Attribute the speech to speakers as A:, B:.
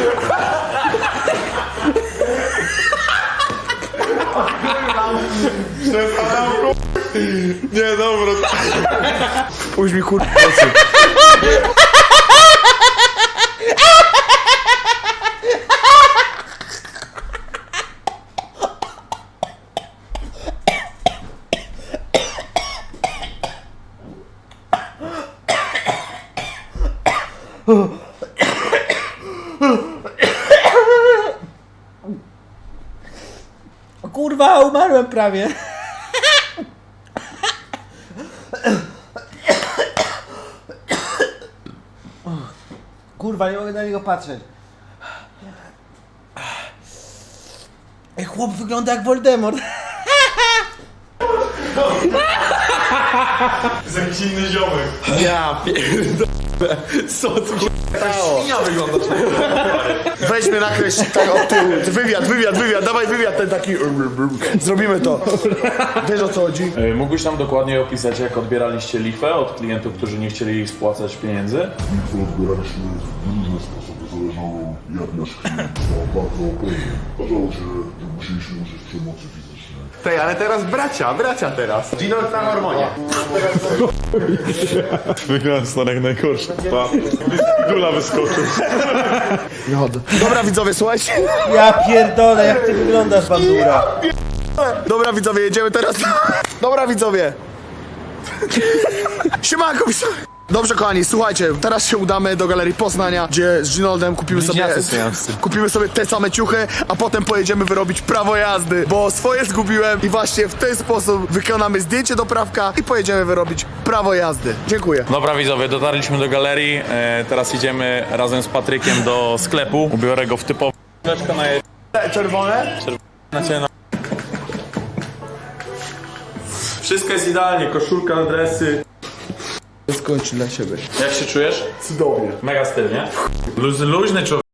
A: Nie, dobra.
B: Pójdź mi kurwa.
C: Kurwa, umarłem prawie. Kurwa, nie mogę na niego patrzeć. Ej, chłop wygląda jak Voldemort.
A: To jest jakiś inny ziomek.
B: Ja pierdolę. Co tu się stało?
A: Ja wyglądasz.
B: Weźmy nakreśl tak od tyłu. Wywiad, dawaj wywiad ten taki. Zrobimy to. Wiesz o co chodzi?
D: Mógłbyś nam dokładniej opisać, jak odbieraliście lifę od klientów, którzy nie chcieli spłacać pieniędzy?
E: Odbieraliśmy w różne sposoby, zależało jak nasz klient ma bardzo opłynny. Okazało się, że musieliśmy użyć przemocy fizycznej.
A: Tej, ale teraz bracia teraz. Gino na hormonie.
D: Wygląda to jak najgorsze. Dula wyskoczył.
B: Dobra widzowie, słuchajcie.
C: Ja pierdolę, jak ty wyglądasz, bandura.
B: Dobra widzowie, jedziemy teraz. Dobra widzowie. Siemanko widzowie. Dobrze kochani, słuchajcie, teraz się udamy do Galerii Poznania, gdzie z Ginoldem kupimy sobie te same ciuchy, a potem pojedziemy wyrobić prawo jazdy, bo swoje zgubiłem i właśnie w ten sposób wykonamy zdjęcie do prawka i pojedziemy wyrobić prawo jazdy. Dziękuję.
D: Dobra widzowie, dotarliśmy do galerii. Teraz idziemy razem z Patrykiem do sklepu. Ubiorę go w typowe na
B: Czerwone?
D: Wszystko jest idealnie, koszulka, dresy.
B: Skończy dla siebie.
D: Jak się czujesz?
B: Cudownie.
D: Mega styl, nie? Luźny człowiek.